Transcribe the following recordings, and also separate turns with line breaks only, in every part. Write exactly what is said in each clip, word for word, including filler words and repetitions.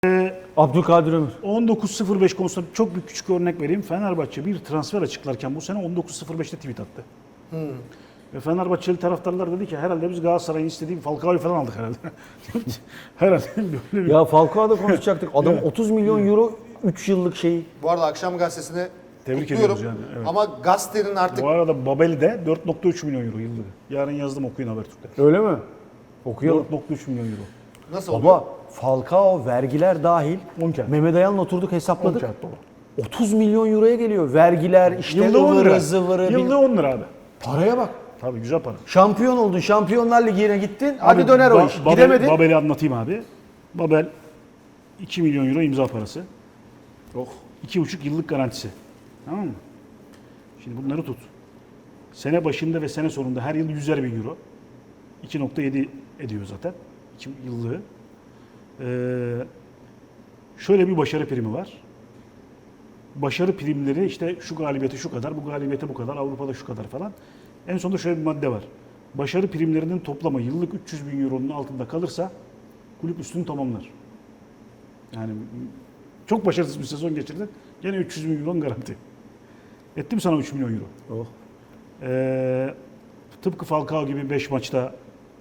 Abdülkadir Ömür.
on dokuz sıfır beş konusunda çok bir küçük örnek vereyim. Fenerbahçe bir transfer açıklarken bu sene on dokuz sıfır beşte tweet attı. Hmm. Ve Fenerbahçeli taraftarlar dedi ki herhalde biz Galatasaray'ın istediği bir Falcao'yu falan aldık herhalde. herhalde böyle bir...
Ya Falcao'da konuşacaktık. Adam otuz milyon euro üç yıllık şey.
Bu arada Akşam Gazetesi'ne
Tebrik
kutluyorum.
ediyoruz yani, evet.
Ama gazetenin artık...
Bu arada Babeli de dört nokta üç milyon euro yıllık. Yarın yazdım, okuyun Habertürk'te.
Öyle mi? Okuyalım.
dört nokta üç milyon euro.
Nasıl oluyor?
Baba Falcao vergiler dahil.
on kağıt.
Mehmet Ayan'la oturduk
on
hesapladık.
kağıt dolu.
otuz milyon euroya geliyor. Vergiler işte
Yılda on lira.
ıvırı zıvırı.
Yılda on lira abi.
Paraya bak.
Tabii güzel para.
Şampiyon oldun. Şampiyonlar Ligi'ne gittin. Hadi
Abi,
döner o
Ba-
iş.
Babel-
Gidemedin.
Babel'i anlatayım abi. Babel iki milyon euro imza parası.
Oh.
iki buçuk yıllık garantisi. Tamam mı? Şimdi bunları tut. Sene başında ve sene sonunda her yıl yüzer bin euro. iki nokta yedi ediyor zaten. iki yıllığı. Ee, şöyle bir başarı primi var. Başarı primleri işte şu galibiyete şu kadar, bu galibiyete bu kadar, Avrupa'da şu kadar falan. En sonunda şöyle bir madde var. Başarı primlerinin toplamı yıllık üç yüz bin euronun altında kalırsa kulüp üstünü tamamlar. Yani çok başarısız bir sezon geçirdin. Gene üç yüz bin euron garanti. Ettim sana üç milyon euro.
Oh.
Ee, tıpkı Falcao gibi beş maçta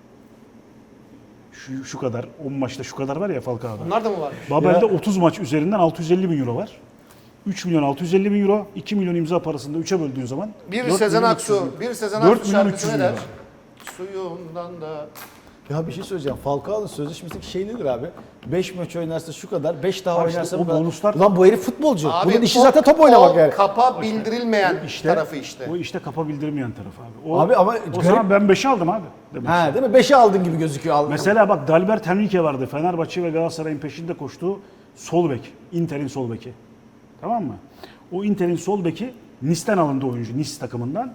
şu, şu kadar, on maçta şu kadar var ya Falcao'da.
Bunlar da mı varmış?
Babel'de
Ya.
otuz maç üzerinden altı yüz elli bin euro var. üç milyon altı yüz elli bin euro, iki milyon imza parasını da üçe böldüğün zaman
Bir
dört
Sezen
milyon üç yüz
Aksu,
bin.
bir Sezen
dört
Aksu
milyon üç
şarkısı
yüz
ne
bin
der?
euro.
Suyundan da...
Ya bir şey söyleyeceğim. Falcao'nun sözleşmesindeki şey nedir abi? beş maç oynarsa şu kadar, beş daha
Ha işte
oynarsa
o
bu kadar.
bonuslar-
Ulan bu herif futbolcu.
Abi
Bunun işi
o-
zaten top oynamak
o
yani.
kapa bildirilmeyen
İşte,
tarafı işte.
O işte kapa bildirmeyen tarafı abi. O,
Abi ama
o
garip-
zaman ben beşi aldım abi. Demek.
Ha değil mi? beşe aldın gibi gözüküyor. Aldın.
Mesela bak Dalbert Henrique vardı. Fenerbahçe ve Galatasaray'ın peşinde koştuğu sol bek. Inter'in sol beki. Tamam mı? O Inter'in sol beki Nice'ten alındı oyuncu. Nice takımından.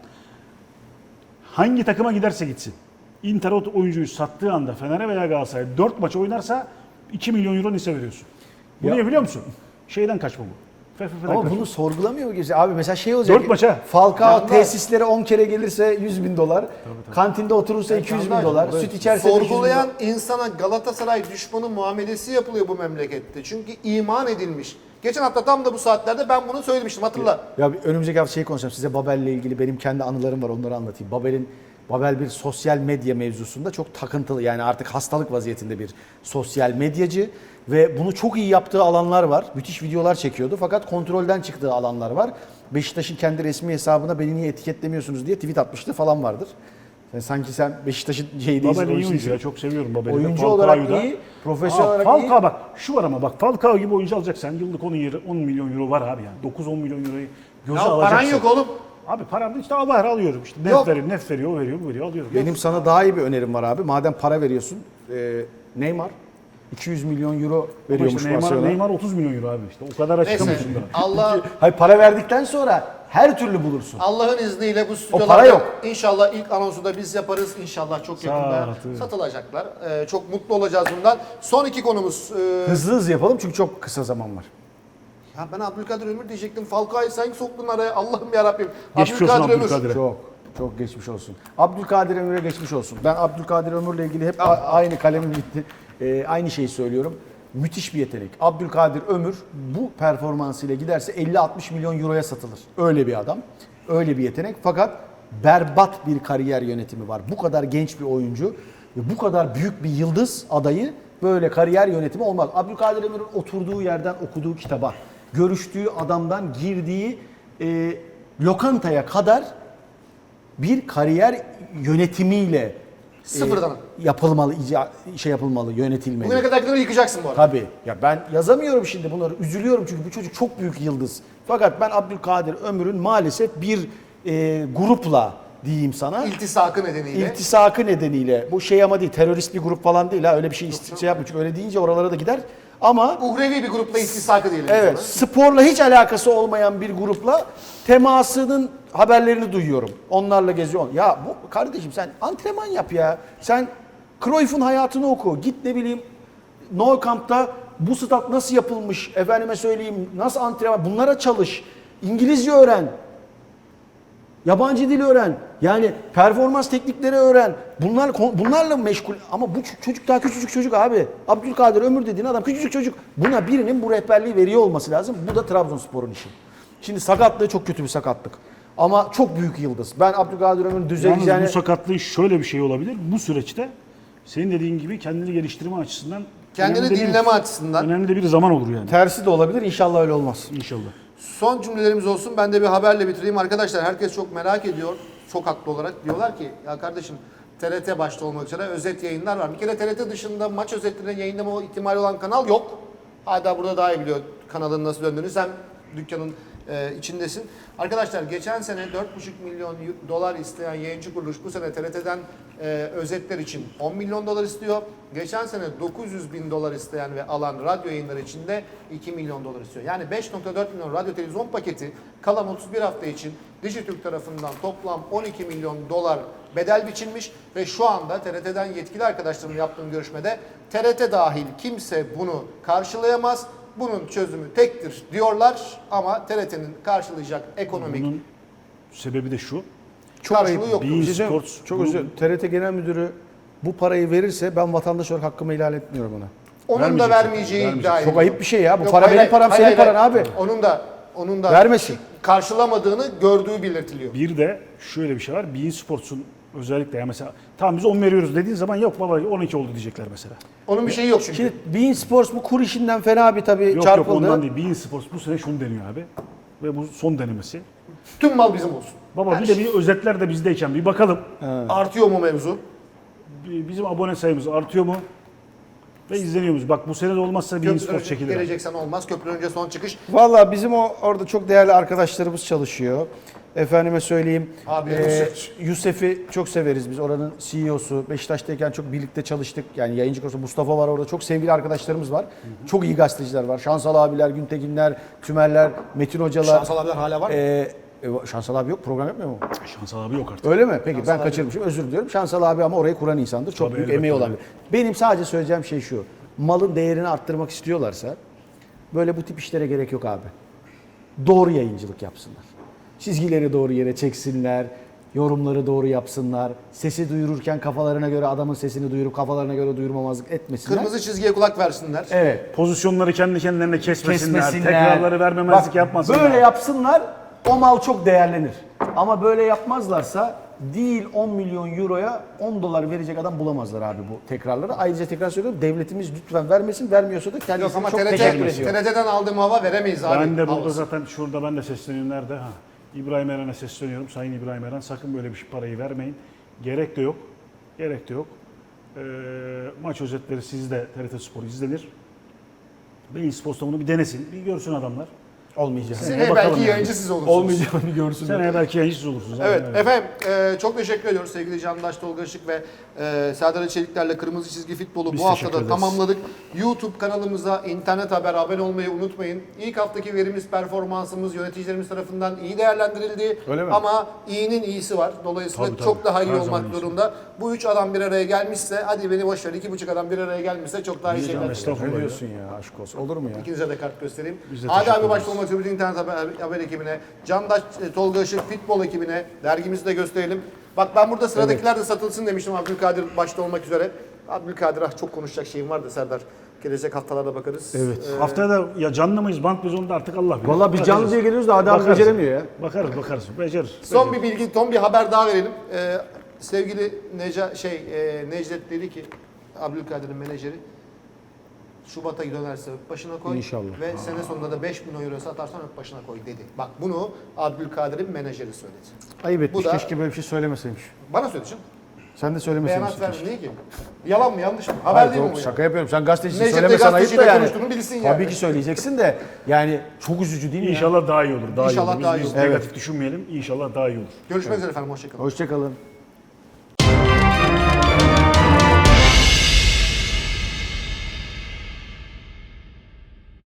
Hangi takıma giderse gitsin. Inter o oyuncuyu sattığı anda Fener'e veya Galatasaray'a dört maç oynarsa iki milyon euro Nice'e veriyorsun. Bu
Ya-
niye biliyor musun? Şeyden kaçma bu. F F F'den
Ama
kaçma.
bunu sorgulamıyor mu kimse? Abi mesela şey olacak.
Dört maça.
Falcao
Yandaş.
tesislere on kere gelirse yüz bin dolar. Kantinde oturursa iki yüz bin
Yandaş.
dolar.
Evet.
Süt içerse beş yüz bin
Sorgulayan
dolar.
insana Galatasaray düşmanı muamelesi yapılıyor bu memlekette. Çünkü iman edilmiş. Geçen hafta tam da bu saatlerde ben bunu söylemiştim, hatırla.
Ya bir önümüzdeki hafta şey konuşacağım. Size Babel'le ilgili benim kendi anılarım var. Onları anlatayım. Babel'in Babel bir sosyal medya mevzusunda çok takıntılı, yani artık hastalık vaziyetinde bir sosyal medyacı ve bunu çok iyi yaptığı alanlar var. Müthiş videolar çekiyordu fakat kontrolden çıktığı alanlar var. Beşiktaş'ın kendi resmi hesabına beni niye etiketlemiyorsunuz diye tweet atmıştı falan vardır. Yani sanki sen Beşiktaş'ın şey değilsin.
Babel iyi
oyuncusun.
oyuncu ya. Çok seviyorum Babel'i. de.
Oyuncu
Falcao'yu
olarak
da.
iyi, profesyonel
Aa,
olarak
Falcao
iyi.
bak şu var ama bak Falcao gibi oyuncu alacaksan yıllık on, on milyon euro var abi yani. dokuz on milyon euroyu göze
Ya
alacaksın.
paran yok oğlum.
Abi param da işte al bahar alıyorum işte. Nef
Yok.
veriyor, nef veriyor, o veriyor, bu veriyor, alıyorum.
Benim sana daha iyi bir önerim var abi. Madem para veriyorsun, e, Neymar iki yüz milyon euro
Ama
veriyormuş
işte Neymar,
Barcelona.
Neymar otuz milyon euro abi işte. O kadar
Neyse.
açıklamışsın da.
Allah
Hayır, para verdikten sonra her türlü bulursun.
Allah'ın izniyle bu
para
stüdyolarda
yok.
inşallah ilk anonsu da biz yaparız. İnşallah çok yakında
Sağ ol.
satılacaklar. Ee, çok mutlu olacağız bundan. Son iki konumuz. Ee,
Hızlı hızlı yapalım çünkü çok kısa zaman var.
ya ben Abdülkadir Ömür diyecektim. Falcao'yu sen soktun araya. Allah'ım yarabbim.
Geçmiş olsun Abdülkadir'e.
Çok çok geçmiş olsun. Abdülkadir Ömür'e geçmiş olsun. Ben Abdülkadir Ömür'le ilgili hep a- aynı kalemim bitti. Ee, aynı şeyi söylüyorum. Müthiş bir yetenek. Abdülkadir Ömür bu performansıyla giderse elli altmış milyon euroya satılır. Öyle bir adam. Öyle bir yetenek. Fakat berbat bir kariyer yönetimi var. Bu kadar genç bir oyuncu ve bu kadar büyük bir yıldız adayı böyle kariyer yönetimi olmaz. Abdülkadir Ömür'ün oturduğu yerden okuduğu kitaba, görüştüğü adamdan girdiği e, lokantaya kadar bir kariyer yönetimiyle
Sıfırdan.
e, yapılmalı, ica, şey yapılmalı, yönetilmeli.
Bugüne kadar gidiyor yıkacaksın bu arada.
Tabii. Ya ben yazamıyorum şimdi bunları. Üzülüyorum çünkü bu çocuk çok büyük yıldız. Fakat ben Abdülkadir Ömür'ün maalesef bir e, grupla diyeyim sana.
İltisakı nedeniyle.
İltisakı nedeniyle. Bu şey ama değil, terörist bir grup falan değil ha. Öyle bir şey isti- şey yapmıyor. Çünkü öyle deyince oralara da gider. Ama
Uhrevi bir grupla iltisakı diyelim.
evet,
sana.
sporla hiç alakası olmayan bir grupla temasının haberlerini duyuyorum. Onlarla geziyor. Ya bu kardeşim sen antrenman yap ya. Sen Cruyff'un hayatını oku. Git ne bileyim Nou Camp'ta bu stat nasıl yapılmış, efendime söyleyeyim nasıl antrenman, bunlara çalış. İngilizce öğren. Yabancı dil öğren. Yani performans teknikleri öğren. Bunlar bunlarla meşgul. Ama bu ç- çocuk daha küçücük çocuk abi. Abdülkadir Ömür dediğin adam küçücük çocuk. Buna birinin bu rehberliği veriyor olması lazım. Bu da Trabzonspor'un işi. Şimdi sakatlığı çok kötü bir sakatlık. Ama çok büyük yıldız. Ben Abdülkadir Ömür'ün
Yalnız
düzeleceğini...
bu sakatlığı şöyle bir şey olabilir. Bu süreçte senin dediğin gibi kendini geliştirme açısından
Kendini
önemli de bir-
dinleme açısından.
önemli de bir zaman olur yani.
Tersi de olabilir. İnşallah öyle olmaz.
İnşallah.
Son cümlelerimiz olsun. Ben de bir haberle bitireyim. Arkadaşlar herkes çok merak ediyor. Çok haklı olarak. Diyorlar ki ya kardeşim T R T başta olmak üzere özet yayınlar var. Bir kere T R T dışında maç özetlerini yayınlama ihtimali olan kanal yok. Hala burada daha iyi biliyor kanalın nasıl döndüğünü. Sen dükkanın e, içindesin. Arkadaşlar geçen sene dört buçuk milyon dolar isteyen yayıncı kuruluş bu sene T R T'den e, özetler için on milyon dolar istiyor. Geçen sene dokuz yüz bin dolar isteyen ve alan radyo yayınları için de iki milyon dolar istiyor. Yani beş nokta dört milyon radyo televizyon paketi kalan otuz bir hafta için Dijitürk tarafından toplam on iki milyon dolar bedel biçilmiş ve şu anda T R T'den yetkili arkadaşlarımla yaptığım görüşmede T R T dahil kimse bunu karşılayamaz. Bunun çözümü tektir diyorlar ama T R T'nin karşılayacak ekonomik
Bunun sebebi de şu.
karşılığı yok.
Bein
Bir şey söyleyeyim.
Sports
Çok
bu-
özür dilerim. T R T Genel Müdürü bu parayı verirse ben vatandaş olarak hakkımı ihlal etmiyorum ona.
Onun da
Vermeyecek
vermeyeceği
zaten,
iddia ediliyor.
Çok ayıp bir şey ya. Bu
Yok,
para
hayır,
benim param,
hayır,
senin
hayır,
paran abi.
Onun da onun da
Vermesin.
karşılamadığını gördüğü belirtiliyor.
Bir de şöyle bir şey var. Bein Sports'un özellikle ya mesela tamam biz on veriyoruz dediğin zaman yok baba on iki oldu diyecekler mesela.
Onun bir şeyi yok çünkü.
Şimdi Bein Sports bu kur işinden fena bir tabii
Yok
çarpıldı.
yok ondan değil. Bein Sports bu sene şunu deniyor abi. Ve bu son denemesi.
Tüm mal bizim olsun.
Baba
Her
bir de
şey.
bir özetler de bizdeyken bir bakalım.
Artıyor mu mevzu?
Bir- Bizim abone sayımız artıyor mu? Ve izleniyor muyuz? Bak bu sene de olmazsa Bein
Köprü
Sports
önce
çekilir. abi.
geleceksen olmaz. Köprü önce son çıkış.
Valla bizim o orada çok değerli arkadaşlarımız çalışıyor. Efendime söyleyeyim.
Abi,
eee,
Yusuf.
Yusuf'i çok severiz biz. Oranın C E O'su. Beşiktaş'tayken çok birlikte çalıştık. Yani yayıncı konusu Mustafa var orada. Çok sevgili arkadaşlarımız var. Çok iyi gazeteciler var. Şansal abiler, Güntekinler, Tümerler, Metin hocalar.
Şansal abiler hala var mı?
Eee, e, Şansal abi yok. Program yapmıyor mu?
Şansal abi yok artık.
Öyle mi? Peki
Şansal
ben
abi.
kaçırmışım. Özür diliyorum. Şansal abi ama orayı kuran insandır. Çok
Tabii,
büyük
elbette
emeği olan
öyle.
biri. Benim sadece söyleyeceğim şey şu. Malın değerini arttırmak istiyorlarsa böyle bu tip işlere gerek yok abi. Doğru yayıncılık yapsınlar. Çizgileri doğru yere çeksinler. Yorumları doğru yapsınlar. Sesi duyururken kafalarına göre adamın sesini duyurup kafalarına göre duyurmamazlık etmesinler.
Kırmızı çizgiye kulak versinler.
Evet.
Pozisyonları kendi kendilerine kesmesinler.
Kesmesinler.
Tekrarları vermemezlik
Bak,
yapmasınlar.
Böyle yapsınlar o mal çok değerlenir. Ama böyle yapmazlarsa değil on milyon euroya on dolar verecek adam bulamazlar abi bu tekrarları. Ayrıca tekrar söylüyorum devletimiz lütfen vermesin. Vermiyorsa da
Yok
kendisine
ama
çok
T R T,
teşekkür ediyor.
T R T'den aldığım hava veremeyiz abi.
Ben de burada
Havası.
zaten şurada ben de sesleniyorum nerede? Ha. İbrahim Eren'e sesleniyorum. Sayın İbrahim Eren sakın böyle bir şey- parayı vermeyin. Gerek de yok. Gerek de yok. Ee, maç özetleri sizde T R T Spor izlenir. Bein Sports'ta bunu bir denesin. Bir görsün adamlar.
Olmayacak.
Seneye
bakalım
belki
yani.
yayıncı siz olursunuz.
Olmayacağını görsünler.
Seneye belki yayıncısız olursunuz.
Evet
Aynen öyle.
efendim e, çok teşekkür ediyoruz sevgili Candaş Tolga Işık ve e, Serdar Çelikler'le Kırmızı Çizgi Futbolu
Biz
bu hafta
teşekkür
da
ederiz.
tamamladık. YouTube kanalımıza internet haber abone olmayı unutmayın. İlk haftaki verimiz performansımız yöneticilerimiz tarafından iyi değerlendirildi.
Öyle mi?
Ama iyinin iyisi var. Dolayısıyla
Tabii, tabii.
çok daha iyi
Her zaman
olmak
iyisi.
zorunda. Bu üç adam bir araya gelmişse hadi beni boş ver iki buçuk adam bir araya gelmişse çok daha iyi
Biz de
şeyler.
estağfurullah.
Ne diyorsun ya aşk olsun. Olur mu ya?
İkinize de kart göstereyim.
Biz de
Adi
teşekkür
abi başta
ederiz.
olmak üzere bütün internet haber, haber ekibine, Candaş e, Tolga Işık futbol ekibine dergimizi de gösterelim. Bak ben burada sıradakiler de satılsın demiştim Abdülkadir başta olmak üzere. Abdülkadir ah çok konuşacak şeyim vardı Serdar. Gelecek haftalarda bakarız.
Evet.
Ee,
Haftaya da ya canlı mıyız, bant mıyız onu da artık Allah bilir.
Valla biz
Bakacağız.
canlı diye geliyoruz da adam
Bakarız.
beceremiyor ya.
Bakarız bakarız. Becerir.
son bir bilgi, son bir haber daha verelim. Ee, sevgili Neca, şey, e, Necdet dedi ki Abdülkadir'in menajeri Şubat'a dönerse öp başına koy.
İnşallah.
Ve sene sonunda da beş milyon euro satarsan öp başına koy dedi. Bak bunu Abdülkadir'in menajeri söyledi.
Ayıp etmiş.
Bu da-
Keşke böyle bir şey söylemeseymiş.
Bana söyledi canım.
Sen de söylemeseymişsin.
Beyanat verdi. Niye ki? Yalan mı yanlış mı? Haber
Hayır,
değil mi
yok,
bu?
şaka
ya?
yapıyorum. Sen gazetecisin
Necdet de
söylemesen ayıp da
gazeteciyle
yani.
konuştuğunu bilsin yani.
Tabii ki söyleyeceksin de yani çok üzücü değil mi ya?
İnşallah daha iyi olur. Daha
İnşallah
iyi olur.
daha
Biz,
iyi
biz
olur.
negatif düşünmeyelim. İnşallah daha iyi olur.
Görüşmek üzere efendim. Hoşçakalın.
Hoşçakalın.